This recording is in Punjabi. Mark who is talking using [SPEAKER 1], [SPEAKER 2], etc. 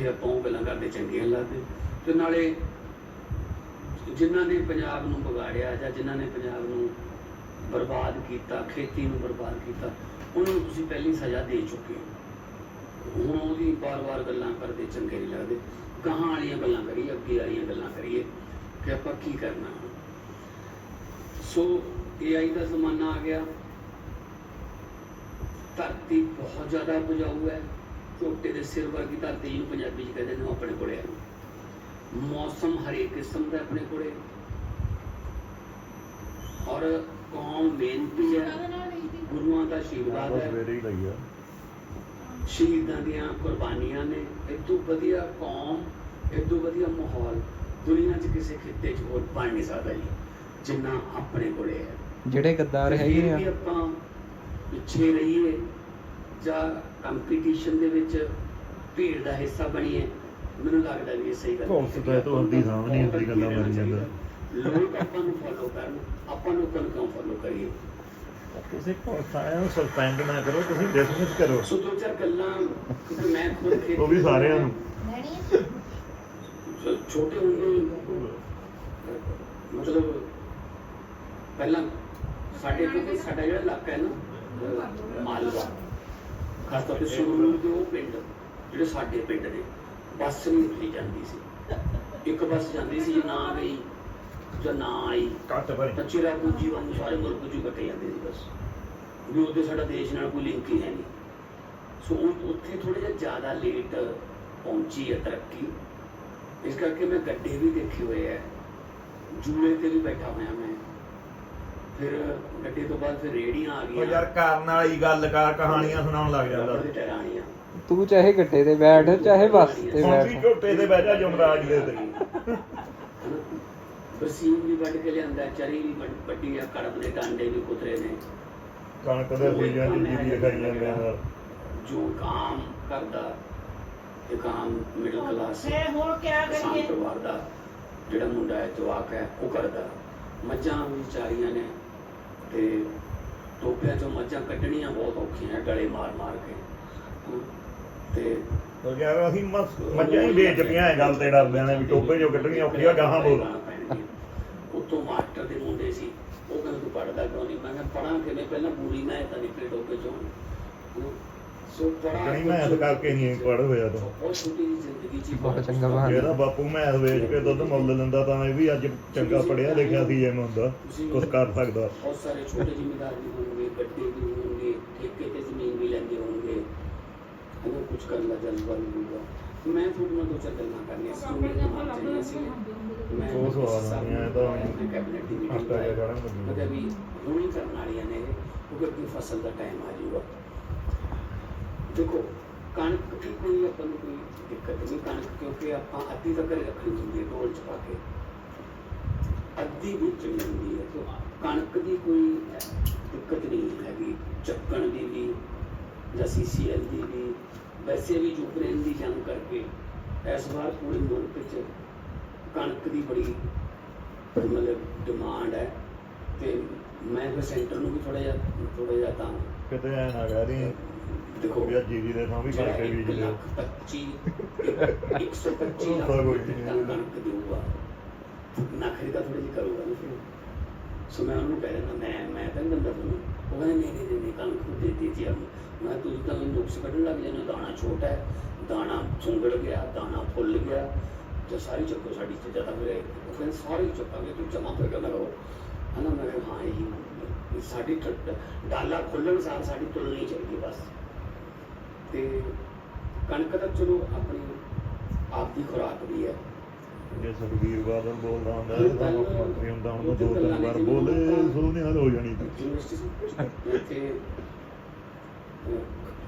[SPEAKER 1] ਇੱਥੇ ਆਪਾਂ ਉਹ ਗੱਲਾਂ ਕਰਦੇ ਚੰਗੀਆਂ ਲੱਗਦੇ। ਤੇ ਨਾਲੇ ਜਿਨ੍ਹਾਂ ਨੇ ਪੰਜਾਬ ਨੂੰ ਵਿਗਾੜਿਆ ਜਾਂ ਜਿਨ੍ਹਾਂ ਨੇ ਪੰਜਾਬ ਨੂੰ ਬਰਬਾਦ ਕੀਤਾ, ਖੇਤੀ ਨੂੰ ਬਰਬਾਦ ਕੀਤਾ, ਉਹਨਾਂ ਨੂੰ ਤੁਸੀਂ ਪਹਿਲੀ ਸਜ਼ਾ ਦੇ ਚੁੱਕੇ ਹੋ। ਹੁਣ ਉਹਦੀ ਵਾਰ-ਵਾਰ ਗੱਲਾਂ ਕਰਦੇ ਚੰਗੇ ਨਹੀਂ ਲੱਗਦੇ। ਗਾਹਾਂ ਵਾਲੀਆਂ ਗੱਲਾਂ ਕਰੀਏ, ਅੱਗੇ ਵਾਲੀਆਂ ਗੱਲਾਂ ਕਰੀਏ ਕਿ ਆਪਾਂ ਕੀ ਕਰਨਾ। ਸੋ AI ਦਾ ਜ਼ਮਾਨਾ ਆ ਗਿਆ। ਧਰਤੀ ਬਹੁਤ ਜ਼ਿਆਦਾ ਉਪਜਾਊ ਹੈ। ਝੋਟੇ ਦੇ ਸਿਰ ਵਰਗੀ ਧਰਤੀ ਜਿਹਨੂੰ ਪੰਜਾਬੀ 'ਚ ਕਹਿੰਦੇ ਨੇ, ਆਪਣੇ ਕੋਲੇ ਹੈ। ਮੌਸਮ ਹਰੇਕ ਕਿਸਮ ਦਾ ਆਪਣੇ ਕੋਲੇ, ਔਰ ਕੌਮ ਮਿਹਨਤੀ ਹੈ, ਗੁਰੂਆਂ ਦਾ ਆਸ਼ੀਰਵਾਦ ਹੈ, ਸ਼ਹੀਦਾਂ ਦੀਆਂ ਕੁਰਬਾਨੀਆਂ ਨੇ। ਇਦੋਂ ਵਧੀਆ ਕੌਮ, ਇਦੋਂ ਵਧੀਆ ਮਾਹੌਲ ਦੁਨੀਆ 'ਚ ਕਿਸੇ ਖਿੱਤੇ 'ਚ ਹੋਰ ਬਣ ਨਹੀਂ ਸਕਦਾ ਜੀ, ਜਿੰਨਾ ਆਪਣੇ ਕੋਲੇ ਹੈ। ਜਿਹੜੇ ਗੱਦਾਰ ਹੈਗੇ ਆ, ਆਪਾਂ ਪਿੱਛੇ ਰਹੀਏ ਜਾਂ ਕੰਪੀਟੀਸ਼ਨ ਦੇ ਵਿੱਚ ਭੀੜ ਦਾ ਹਿੱਸਾ ਬਣੀਏ, ਮੈਨੂੰ ਲੱਗਦਾ ਵੀ ਇਹ ਸਹੀ ਗੱਲ ਹੈ। ਲੋਕ ਆਪਾਂ ਨੂੰ ਫੋਲੋ ਕਰਨ, ਆਪਾਂ ਲੋਕਾਂ ਨੂੰ ਕਿਉਂ ਫੋਲੋ ਕਰੀਏ?
[SPEAKER 2] ਤੁਸੀਂ ਸਸਪੈਂਡ ਨਾ ਕਰੋ, ਤੁਸੀਂ ਡਿਸਮਿਸ ਕਰੋ।
[SPEAKER 1] ਸੋ ਦੋ ਚਾਰ ਗੱਲਾਂ ਮੈਂ ਖੁਦ
[SPEAKER 2] ਉਹ ਵੀ ਸਾਰਿਆਂ ਨੂੰ
[SPEAKER 1] ਛੋਟੇ ਹੁੰਦੇ, ਮਤਲਬ ਪਹਿਲਾਂ ਸਾਡੇ ਕੋਲ ਸਾਡਾ ਜਿਹੜਾ ਇਲਾਕਾ ਹੈ ਨਾ ਮਾਲਵਾ, ਖਾਸ ਤੌਰ ਤੇ ਸੰਗਰੂਰ ਦੇ ਉਹ ਪਿੰਡ ਜਿਹੜੇ ਸਾਡੇ ਪਿੰਡ ਨੇ, ਬੱਸ ਨਹੀਂ ਉੱਠੀ ਜਾਂਦੀ ਸੀ। ਇੱਕ ਬੱਸ ਜਾਂਦੀ ਸੀ, ਨਾ ਗਈ ਜਾਂ ਨਾ ਆਈ ਤਾਂ ਚਿਰਾਪੂੰਜੀ ਵਾਂਗੂ ਸਾਰੇ ਮੁਲਕ 'ਚ ਕੱਟੇ ਜਾਂਦੇ ਸੀ ਬਸ, ਵੀ ਉਹਦੇ ਸਾਡਾ ਦੇਸ਼ ਨਾਲ ਕੋਈ ਲਿੰਕ ਹੀ ਹੈ ਨਹੀਂ। ਸੋ ਉੱਥੇ ਥੋੜ੍ਹਾ ਜਿਹਾ ਜ਼ਿਆਦਾ ਲੇਟ ਪਹੁੰਚੀ ਹੈ ਤਰੱਕੀ। ਇਸ ਕਰਕੇ ਮੈਂ ਗੱਡੇ ਵੀ ਦੇਖੇ ਹੋਏ ਹੈ, ਜੂਲੇ ਤੇ ਵੀ ਬੈਠਾ ਹੋਇਆ ਮੈਂ। ਫਿਰ ਗੱਡੇ ਤੋਂ ਬਾਅਦ ਫਿਰ ਰੇਹੜੀਆਂ ਆ ਗਈਆਂ।
[SPEAKER 2] ਯਾਰ ਕਰਨ ਵਾਲੀ ਗੱਲ ਕਰ, ਕਹਾਣੀਆਂ ਸੁਣਾਉਣ ਲੱਗ ਜਾਂਦਾ।
[SPEAKER 3] ਤੂੰ ਚਾਹੇ ਗੱਡੇ ਤੇ ਬੈਠ, ਚਾਹੇ ਬੱਸ ਤੇ ਬੈਠ,
[SPEAKER 2] ਝੋਟੇ ਤੇ ਬਹਿ ਜਾ ਯਮਰਾਜ ਦੇ ਤੇ।
[SPEAKER 1] ਬਰਸੀਨ ਵੀ ਵੱਢ ਕੇ ਲਿਆਂਦਾ, ਚਰੀ ਵੀ ਵੱਢੀ ਆ, ਕੜਮ ਦੇ ਡਾਂਡੇ ਵੀ ਕੁਤਰੇ ਨੇ,
[SPEAKER 2] ਕਣਕ ਦੇ ਬੀਜਾਂ ਦੀ ਜੀਰੀ ਖਾਈ ਜਾਂਦੇ ਆ।
[SPEAKER 1] ਜੋ ਕੰਮ ਕਰਦਾ ਇਹ ਕੰਮ ਮਿਡਲ ਕਲਾਸ ਕਿਸਾਨ ਪਰਿਵਾਰ ਦਾ ਜਿਹੜਾ ਮੁੰਡਾ ਹੈ, ਜਵਾਕ ਹੈ, ਉਹ ਕਰਦਾ। ਮੱਝਾਂ ਵਿਚਾਰੀਆਂ ਨੇ ਤੇ ਟੋਪਿਆਂ 'ਚੋਂ ਮੱਝਾਂ ਕੱਢਣੀਆਂ ਬਹੁਤ ਔਖੀਆਂ, ਡਲੇ ਮਾਰ ਕੇ। ਤੇ
[SPEAKER 2] ਯਾਰ ਅਸੀਂ ਮੱਝਾਂ ਹੀ ਵੇਚਦੀਆਂ ਇਹ ਗੱਲ ਤੇ ਡਰਦੇ ਨੇ ਵੀ ਟੋਪੇ 'ਚੋਂ ਕੱਢਣੀਆਂ ਔਖੀਆਂ, ਗਾਹਾਂ ਬੋਲ।
[SPEAKER 1] ਉੱਤੋਂ ਮਾਸਟਰ ਦੇ ਮੁੰਡੇ ਸੀ, ਉਹ ਕਹਿੰਦੇ ਤੂੰ ਪੜ੍ਹਦਾ ਕਿਉਂ ਨਹੀਂ? ਮੈਂ ਕਿਹਾ ਪੜ੍ਹਾਂ ਕਿਵੇਂ, ਪਹਿਲਾਂ ਪੂਰੀ ਮੈਂ ਤਾਂ ਨਿਕਲੇ ਟੋਪੇ 'ਚੋਂ। ਸੋ
[SPEAKER 2] ਨਹੀਂ ਮੈਂ ਇਸ ਕਰਕੇ ਨਹੀਂ ਪੜ੍ਹ ਹੋਇਆ ਤੂੰ।
[SPEAKER 1] ਬਹੁਤ ਛੋਟੀ ਜਿਹੀ ਜ਼ਿੰਦਗੀ 'ਚ
[SPEAKER 3] ਬਹੁਤ ਚੰਗਾ ਬਹਾਨਾ।
[SPEAKER 2] ਇਹਦਾ ਬਾਪੂ ਮੈਥ ਵੇਚ ਕੇ ਦੁੱਧ ਮੁੱਲ ਲੈਂਦਾ ਤਾਂ ਇਹ ਵੀ ਅੱਜ ਚੰਗਾ ਪੜ੍ਹਿਆ ਲਿਖਿਆ ਸੀ, ਜਿਵੇਂ ਹੁੰਦਾ ਕੁਛ ਕਰ ਸਕਦਾ।
[SPEAKER 1] ਬਹੁਤ ਸਾਰੇ ਛੋਟੇ ਜ਼ਿਮੀਂਦਾਰ ਵੀ ਹੋਣਗੇ, ਗੱਡੇ ਵੀ ਹੋਣਗੇ, ਠੇਕੇ ਤੇ ਜ਼ਮੀਨ ਵੀ ਲੈਂਦੇ ਹੋਣਗੇ, ਉਹਨੂੰ ਕੁਛ ਕਰਨ ਦਾ ਜਜ਼ਬਾ ਵੀ ਹੋਊਗਾ। ਮੈਂ ਤੁਹਾਡੇ ਨਾਲ ਦੋ ਚਾਰ ਗੱਲਾਂ ਕਰਨੀਆਂ ਸੀ, ਮੇਰੇ ਦਿਮਾਗ 'ਚ ਆਈਆਂ ਸੀ। ਮੈਂ
[SPEAKER 2] ਉਹ ਸਵਾਲ ਆਈਆਂ ਤਾਂ
[SPEAKER 1] ਕੈਬਨਿਟ ਦੀ ਮੀਟਿੰਗ ਮਤਲਬ ਵੀ ਹੁਣੀ ਕਰਨ ਵਾਲੀਆਂ ਨੇ, ਕਿਉਂਕਿ ਅੱਗੇ ਫਸਲ ਦਾ ਟਾਈਮ ਆ ਜਾਊਗਾ। ਦੇਖੋ ਕਣਕ ਦੀ ਕੋਈ ਆਪਾਂ ਨੂੰ ਕੋਈ ਦਿੱਕਤ ਨਹੀਂ, ਕਣਕ ਕਿਉਂਕਿ ਆਪਾਂ ਅੱਧੀ ਤਾਂ ਘਰੇ ਰੱਖਣੀ ਹੁੰਦੀ ਹੈ ਢੋਲ 'ਚ ਪਾ ਕੇ, ਅੱਧੀ ਵੇਚਣੀ ਹੁੰਦੀ ਹੈ। ਤਾਂ ਕਣਕ ਦੀ ਕੋਈ ਦਿੱਕਤ ਨਹੀਂ ਹੈਗੀ, ਚੱਕਣ ਦੀ ਵੀ ਜਾਂ CCL ਦੀ ਵੀ। ਵੈਸੇ ਵੀ ਯੂਕਰੇਨ ਦੀ ਜੰਗ ਕਰਕੇ ਇਸ ਵਾਰ ਪੂਰੇ ਮੁਲਕ 'ਚ ਕਣਕ ਦੀ ਬੜੀ ਮਤਲਬ ਡਿਮਾਂਡ ਹੈ। ਤੇ ਮੈਂ ਫਿਰ ਸੈਂਟਰ ਨੂੰ ਵੀ ਥੋੜ੍ਹਾ ਜਿਹਾ ਤਾਂ
[SPEAKER 2] ਕਿਤੇ ਐਂ ਨਾ ਕਹਿ ਰਹੀ
[SPEAKER 1] ਦੇਖੋ
[SPEAKER 2] ਵੀ ਜੀਰੀ ਦੇ ਥਾਂ ਵੀ ਕਰਕੇ ਬੀਜ ਲਿਓ।
[SPEAKER 1] 125 ਕਣਕ ਦੇਊਗਾ, ਨਖਰੀ ਦਾ ਥੋੜ੍ਹੀ ਜਿਹੀ ਕਰੂਗਾ ਨਾ ਫਿਰ। ਸੋ ਮੈਂ ਉਹਨੂੰ ਕਹਿ ਦਿੰਦਾ, ਮੈਂ ਤਾਂ ਨਹੀਂ ਦਿੰਦਾ ਤੁਹਾਨੂੰ। ਉਹ ਕਹਿੰਦੇ ਨਹੀਂ ਕਣਕ ਨੂੰ ਦੇ ਦਿੱਤੀ। ਮੈਂ ਤੁਸੀਂ ਤਾਂ ਨੁਕਸ ਕੱਢਣ ਲੱਗ ਜਾਂਦੇ, ਦਾਣਾ ਛੋਟਾ ਹੈ, ਦਾਣਾ ਸੁੰਗੜ ਗਿਆ, ਦਾਣਾ ਫੁੱਲ ਗਿਆ, ਤੇ ਸਾਰੀ ਚੱਕੋ ਸਾਡੀ ਤੇ ਜ਼ਿਆਦਾ ਫਿਰ ਉਹ ਕਹਿੰਦੇ ਸਾਰੇ ਚੱਕਾਂਗੇ, ਤੂੰ ਜਮਾ ਕਰ ਨਾ ਕਰੋ ਹੈ ਨਾ। ਮੈਂ ਕਿਹਾ ਹਾਂ ਇਹੀ ਸਾਡੀ ਡਾਲਾ ਖੁੱਲ੍ਹਣ ਸਾਰ ਸਾਡੀ ਤੁਲਣੀ ਚਾਹੀਦੀ ਬਸ। ਤੇ ਕਣਕ ਤਾਂ ਚਲੋ ਆਪਣੀ ਆਪ ਦੀ ਖੁਰਾਕ ਵੀ ਹੈ।
[SPEAKER 2] ਜੇ ਸੁਖਬੀਰ ਬਾਦਲ ਬੋਲਦਾ ਹੁੰਦਾ ਤਾਂ ਮੁੱਖ ਮੰਤਰੀ ਹੁੰਦਾ, ਹੁਣ ਦੋ ਤਿੰਨ ਵਾਰ ਬੋਲੇ ਸੋਨੇ ਹੱਲ ਹੋ ਜਾਣੀ ਸੀ।
[SPEAKER 1] ਯੂਨੀਵਰਸਿਟੀ ਇੱਥੇ